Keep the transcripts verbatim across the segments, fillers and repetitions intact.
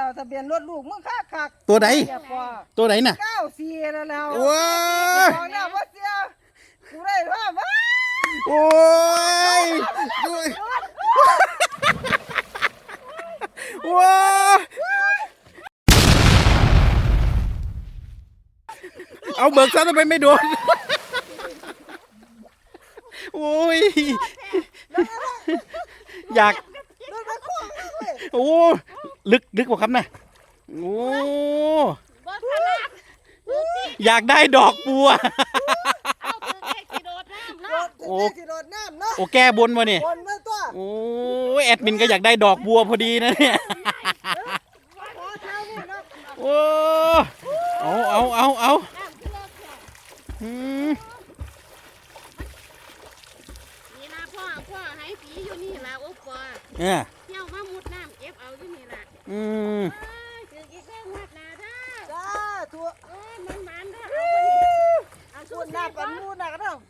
แล้วทะเบียนรถลูกมึงคักคักตัวไหนตัวไหนน่ะเก้าสี่แล้วแล้วว้าบอกแล้วว่าเสียกูได้ว่าว้าโอ้ยว้าเอาเบิกซะทำไมไม่โดนโอ้ยอยากโอ้ลึกลึกกว่าครับนะโอ้อยากได้ดอกบัวโอ้โอ้แก้บนวะเนี่ยโอ้แอดมินก็อยากได้ดอกบัวพอดีนะเนี่ยโอ้เอาเอาเอาเอาอืมนี่นะพ่อพ่อให้ผีอยู่นี่ละโอ้พ่อเออเที่ยวมามุดน้ำเก็บเอาอยู่นี่ละอืมถือกี่เครื่องวัดนาได้จ้าทัวเอ้ยมันมันได้เอาชสู้วนหน้ากันมูหน้ากันเนาะ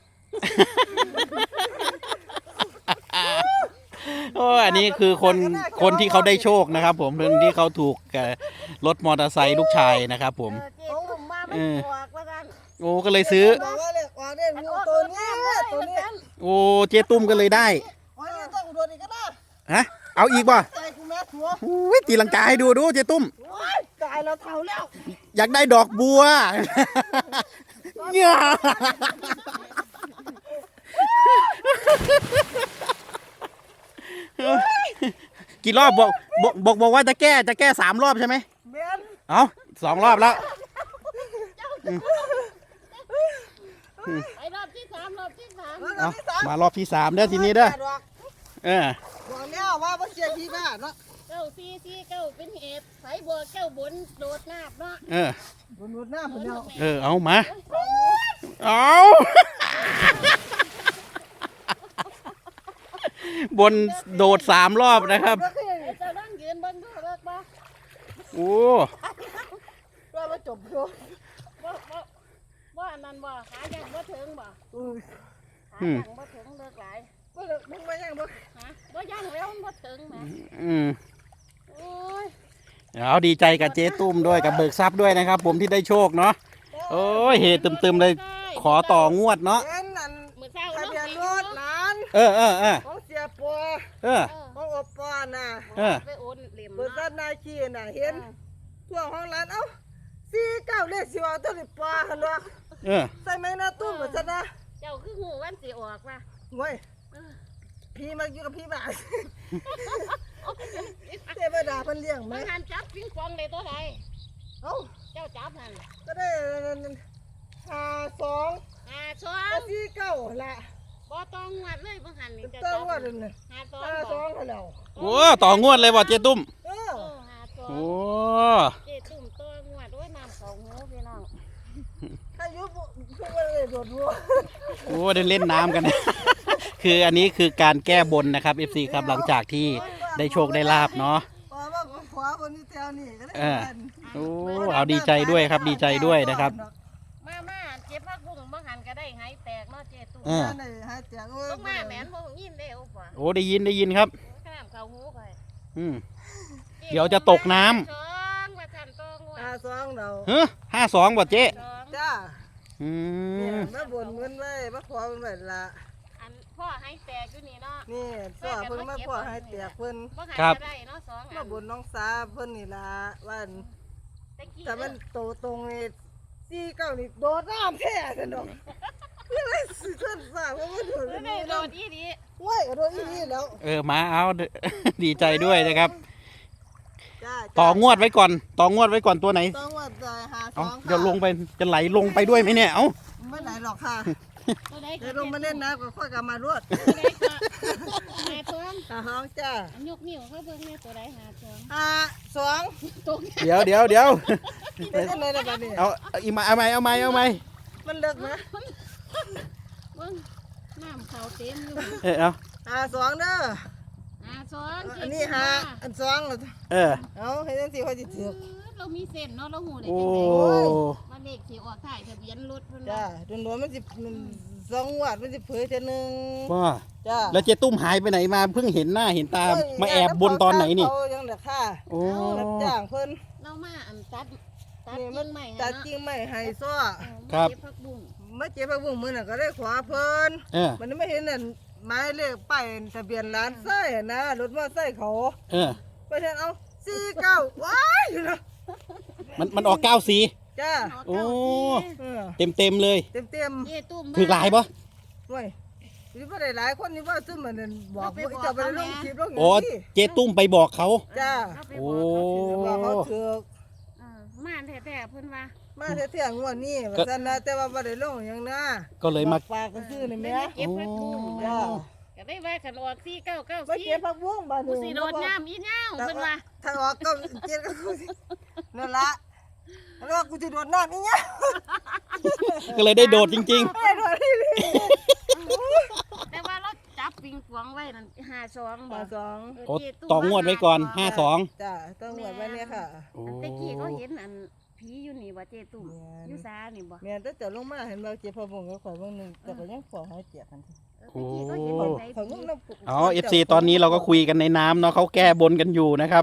โอ้อันนี้คือคนคนที่เขาได้โชคนะครับผมคนที่เขาถูกรถมอเตอร์ไซค์ลูกชายนะครับผมเจ๊ตุ่มมาไม่บวกแล้วกันโอ้ก็เลยซื้อบอกว่าเลยว่าเนี่ยงูตัวนี้ตัวนี้โอ้เจ๊ตุ้มก็เลยได้อ๋อนี่ต้องอุดรอีกก็ได้ฮะเอาอีกป่ะใจกูแม่ทัวอุ้ยตีลังกาให้ดูดูเจ๊ตุ้มตายแล้วเท่าแล้วอยากได้ดอกบัวเนี่ยกี่รอบบอกบอกบอกบอกว่าจะแก้จะแก้สามรอบใช่ไหมเมียนเอาสองรอบแล้วไปรอบที่สามรอบที่สามเอามารอบที่สามเด้อทีนี้เด้อเออบอกแล้วว่าบ่เสียที่บ้านเนาะเก้าซีซีเก้าเป็นเหตุไฟบัวเก้าบนโดดน้ำเนาะเออบนรถหน้าผมแล้วเออเอามาเอาบนโดดสามรอบนะครับจะนั่งยืนบนด้วยเลิกบ่โอ้ว่ามาจบโยบ่บ่บ่อันนั้นบ่ขายังบ่ถึงบ่อุ้ยขายังบ่ถึงเลิกหลายบ่เลิกมึงมายังบ่ฮะบ่ยังแล้วมันบ่ถึงแหมอืมโอ้ยเอาดีใจกับเจ๊ตุ้มด้วยกับเบิกทรัพย์ด้วยนะครับ ผมที่ได้โชคเนาะโอ้ยเฮตึมๆเลยขอต่องวดเนาะเอ็นนั่นมื้อเช้าทะเนาะเบียนรถหลานเออเออเออของเสียปัวเออของอบปอน่ะเออไปโอนเหลี่ยมเปิดเนาะด้านนายขี้น่ะเห็นทั่วห้องร้านเอ้าสี่เก้าเลขสิว่าตัวนี้ปลาหั่นวะเออใส่ไหมนะตุ้มว่าซั่นนะเจ้าคือหูวันสิออกว่ะโว้ยพี่มาอยู่กับพี่บ้านเทวดาเพิ่นเลี้ยงไหมมันหันจับปิงปองได้ตัวใดเอ้าเจ้าจับหันก็ได้ห้าสองหาสอก็งสี่เก้าละบ่ต้องงวดเลยบ่หันนี่เติเจ้าม จับว่าเดินหาสองห้าสบ่องแล้วโอ้ต่องวดเลยว่ะเจ๊ตุ้มเออเออหาสองโอ้เจ๊ตุ่มตัวงวดด้วยน้ำเขาหูพี่น้องอายุพวกเลยโดดรัวโอ้ได้เล่นน้ำกัน คืออันนี้คือการแก้บนนะครับ เอฟ ซี ครับหลังจากที่ได้โชคได้ลาบเนาะอ๋อว่าขวาคนนี้แถวนี่ก็ได้เออ โอ้เอาดีใจด้วยครับดีใจด้วยนะครับมามาเจ็บพักบุ้งบ่หันก็ได้หายแตกเนาะเจ๊ตุ่มเออได้หาแจกโอ้ยต้องมาแหมนบ่ยินได้โอ้ป่ะโอ้ได้ยินได้ยินครับข้ามเขาหูไปอืม เดี๋ยวจะตกน้ำสองว่าทันตัวงวดห้าสองเราเฮ้ห้าสองว่ะเจ๊สองจ้าอืเนี่ยมมาบ่นเงินไว้มาขอเงินไว้ละอันพ่อให้แตกอยู่นี่เนาะนี่สอเพิ่นมาขอให้แตกเพิ่นบ่หันก็ได้เนาะสองอัมาน บ่นน้องสาเพิ่นนี่ละว่าตะกี้แต่มันโตตรงนี่สี่เก้านี่โดดน้ำแท้ซั่นดอกคืออะไรสิเพิ่นสาเพราะว่าโดดเออนี่ได้โดเนาะดอีดีว้ายก็โดดอีนี่แล้วเออมาเอา ดีใจด้วยนะครับจ้าต่องวดไว้ก่อน ต่องวดไว้ก่อนตัวไหนต้องว่าจะหาสเอาองเดี๋ยวลงไปจะไหลลงไปด้วยไหมเนี่ย เอ้าไม่ไหลหรอกค่ะตัวใดเดี๋ยวลงมาเล่นน้ำก็ค่อยกลับมารวดตัวใดก็หาสองหาห้องจ้าอันยกนิ้วเขาเบิ่งแม่ตัวใดหาสองหาสองตรงเดี๋ยวเดี๋ยวเดี๋ยวเป็นยังไงล่ะบัดนี้เอาเอาอีกมาเอาไหมเอาไหมเอาไหมมันเลิกนะเบิ่งน้ำเขาเต็มอยู่เออเอาหาสองเด้อหาสองอันนี้หาอันสองเออเอาให้จังสิค่อยสิถือเรามีเส้นเนาะเราหูได้โอ้จังได๋ว่าเลขสิออกถ่ายทะเบียนรถเพิ่นจ้าว่าโดนๆมันสิมันสองงวัดมันสิเผยเทื่อนึงว่าจ้าแล้วเจ๊ตุ้มหายไปไหนมาเพิ่งเห็นหน้าเห็นตามาแอบบนตอนไหนนี่เขายังเหลือค่าโอ้รับจ้างเพิ่นนเรามาอันตัดตัดนี่กิ่มันงใหม่ตัดกิ่งไม้ให้ซ้อครับผักบุ้งมาเจ็บผักบุ้งมื้อน่ะก็ได้ขอเพิ่นเออมันไม่เห็นนั่นหมายเลขป้ายทะเบียนร้านไส้นะรถมอไซค์เขาเออไปเห็นเอาสี่เก้าว้ายอยู่นะมันมันออกเก้าสีจ้าโอ้เออเต็มเต็มๆเลยเต็มเต็มเย่ตุ้มถือหลายปะๆเว้ยนี่บ่ได้หลายคนนี่ว่าซึมมันนั่นบอกว่าจะไปลงคลิปลงอย่างโอ้นี้เจ๊ตุ้มไปบอกเขาจ้าเไปโอ้บอกเขาเถอะบอกเขาถือกเออมาแท้ๆเพิ่นว่ามาเที่ยงงวดนี้ว่าซั่นนะแต่ว่าบ่ได้ลงหยังนะก็เลยมาบอกปากก็ซื้อนี่ไม่แม่ได้เก็บผักบุ้งจ้าก็ได้ว่าขันออกสี่เก้าเก้าบ่สี่เก็บผักบุ้งบาดกูนี้สิโดดน้ำอีเหย้าเพิ่นว่าถ้าออกก็เจ็ดก็กูสินั่นละแล้วกูสิโดดน้ำอีหยังก็เลยได้โดดจริงไม่โดดนี่เลยแต่ว่าเราจับปิงปองไว้นั่นห้าสองบ่มาสองๆ โอ้ต่องวดไว้ก่อนห้าสองจ้าต้องหวดไว้เนี่ยค่ะโอ้อันตะกี้เขาเห็นอันผีอยู่นี่บ่เจตุ้มแม่นอยู่ซานี่บ่แม่นแต่จะลงมาเห็นเราเจ็บพะบุงก็ข่อยเบางหนึงแต่ก็ยังขอให้เจียกันตะกี้เขาเห็นข่อยไหนข่อยงงน้ำปุกเอาเอฟซีตอนนี้เราก็คุยกันในน้ำเนาะเขาแก้บนกันอยู่นะครับ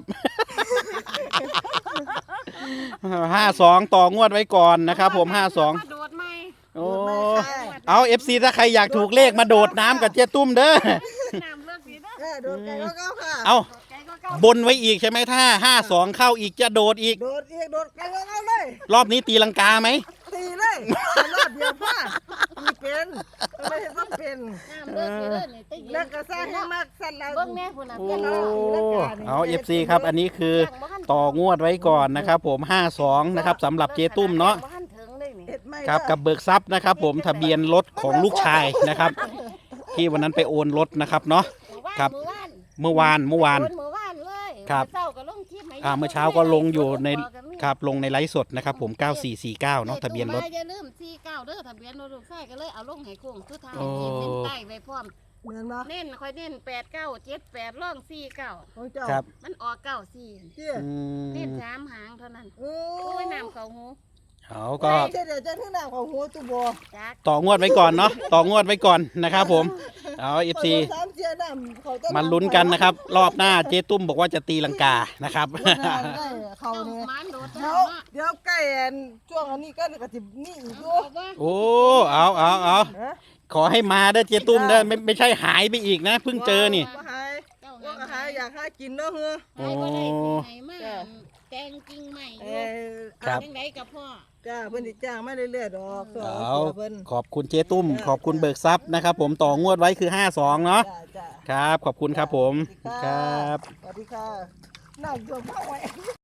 ห้าสองต่องวดไว้ก่อนนะครับผมห้าสองมาโดดไหมโอ้เอาเอฟซีถ้าใครอยากถูกเลขมาโดดน้ำกับเจ๊ตุ้มเด้อน้ำเลิกสิเด้อเออโดดไก่ก็เก้าค่ะเอาไก่ก็เก้าบนไว้อีกใช่ไหมถ้าห้าสองเข้าอีกจะโดดอีกโดดอีกโดดไก่ก็เก้าเลยรอบนี้ตีลังกาไหมตีเลยรอบเดียวพ่อมีเป็นไม่เห็นว่าเป็นน้ำเลิกสิเด้อนี่ตะกี้แล้วก็สร้างให้มากสั่นเราเบิ่งแม่พุ่นน่ะโอ้เพิ่นเอาเอาเอฟซีครับ อันนี้คือต่องวดไว้ก่อนนะครับผมห้าสองนะครับสำหรับเจ๊ตุ้มเนาะบ่ทันถึงเลยนี่เห็ดไม่ครับกับเบิกทรัพย์นะครับ ผมทะเบียนรถของลูกชายนะครับ ที่วันนั้นไปโอนรถนะครับเนาะ ครับเมื่อวานเมื่อวานเมื่อวานโอนเมื่อวานเลยครับเช้าก็ลงคลิปให้อ่าเมื่อเช้าก็ลงอยู่ในครับลงในไลฟ์สดนะครับผมเก้าสี่สี่เก้าเนาะทะเบียนรถอย่าลืมสี่เก้าเด้อทะเบียนรถลูกชายก็เลยเอาลงให้โค้งสุดท้ายโอ้ขีดเส้นใต้ไว้พร้อมเหมือนปะเน้นค่อยเน้นแปดเก้าเจ็ดแปดร่องสี่เก้าของเจ้าครับมันออกเก้าสี่เจี๊ยอืเน้นมสามหางเท่านั้นโอ้โอ้ยน้ำเขาหูเอาก็เดี๋ยวจะถึงหน้าของหัวตุบอจักต่องวดไว้ก่อนเนาะต่องวดไว้ก่อนนะครับผมเอาเอฟซีสามเจียดำเขาจะมาลุ้นกันนะครับ รอบหน้าเจ๊ตุ้มบอกว่าจะตีลังกานะครับได้เขาเจ้าเนี่ยหมันโดดเดี๋ยวน้ำเนาะเดี๋ยวใกล้อันช่วงอันนี้ก็กระติบนี่อีกเอาด้วยบ่โอ้เอาเอาเอาฮะขอให้มาเด้อเจ๊ตุ้มเด้อไม่ไม่ใช่หายไปอีกนะเพิ่งเจอนี่ว่าหายเจ้าว่าก็หายอยากหากินเนาะเฮ้อหายบ่ได้โอ้ที่ไหนมาจ้ะแตงจริงใหม่อเอยู่ อครับจังไดกับพ่อจ้าเพิ่นสิจ้างมาเรื่อยๆดอกสอนเอาเพิ่นขอบคุณเจ๊ตุ้ม ขอบคุณเบิกทรัพย์นะครับผมต่องวดไว้คือห้าสองเนาะจ้าจ้าครับ ขอบคุณครับผม ครับสวัสดีค่ะนั่งจมเข้าไว้